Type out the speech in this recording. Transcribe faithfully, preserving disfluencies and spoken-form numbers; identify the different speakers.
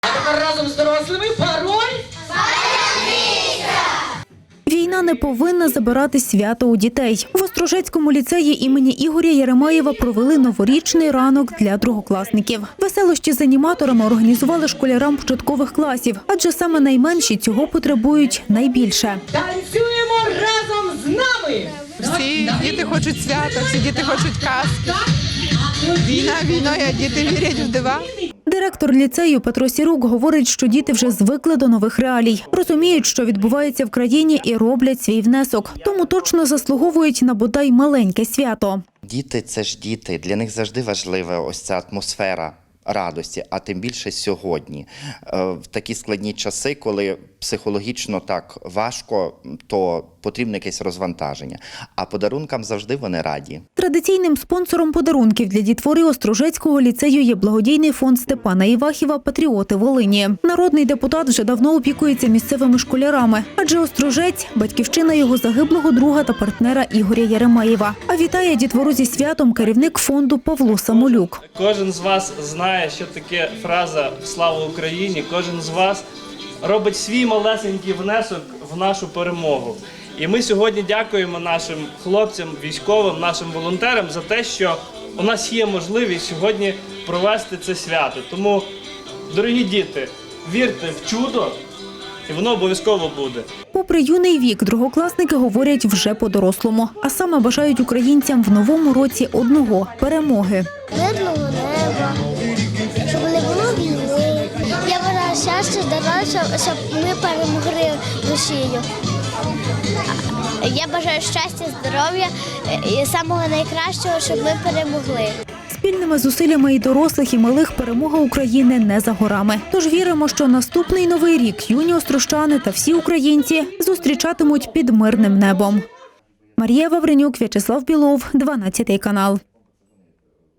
Speaker 1: А тепер разом з дорослими пароль.
Speaker 2: Війна не повинна забирати свято у дітей. В Острожецькому ліцеї імені Ігоря Єремеєва провели новорічний ранок для другокласників. Веселощі з аніматорами організували школярам початкових класів, адже саме найменші цього потребують найбільше.
Speaker 1: Танцюємо разом з нами!
Speaker 3: Всі діти хочуть свята, всі діти хочуть казки. Війна війною, а діти вірять в дива.
Speaker 2: Директор ліцею Петро Сірук говорить, що діти вже звикли до нових реалій. Розуміють, що відбувається в країні і роблять свій внесок. Тому точно заслуговують на бодай маленьке свято.
Speaker 4: Діти – це ж діти, для них завжди важлива ось ця атмосфера радості, а тим більше сьогодні. В такі складні часи, коли психологічно так важко, то потрібно якесь розвантаження. А подарункам завжди вони раді.
Speaker 2: Традиційним спонсором подарунків для дітвори Острожецького ліцею є благодійний фонд Степана Івахіва «Патріоти Волині». Народний депутат вже давно опікується місцевими школярами, адже Острожець – батьківщина його загиблого друга та партнера Ігоря Єремеєва. А вітає дітвору зі святом керівник фонду Павло Самолюк.
Speaker 5: Кожен з вас знає, що таке фраза «Слава Україні», кожен з вас робить свій малесенький внесок в нашу перемогу. І ми сьогодні дякуємо нашим хлопцям, військовим, нашим волонтерам за те, що у нас є можливість сьогодні провести це свято. Тому, дорогі діти, вірте в чудо, і воно обов'язково буде.
Speaker 2: Попри юний вік, другокласники говорять вже по-дорослому. А саме бажають українцям в новому році одного – перемоги.
Speaker 6: Мирного неба, щоб не було війни. Я бажаю щастя, здоров'я, щоб ми перемогли Росію. Я бажаю щастя, здоров'я і самого найкращого, щоб ми перемогли.
Speaker 2: Спільними зусиллями і дорослих, і малих перемога України не за горами. Тож віримо, що наступний новий рік юні острощани та всі українці зустрічатимуть під мирним небом. Марія Вавренюк, В'ячеслав Білов, дванадцятий канал.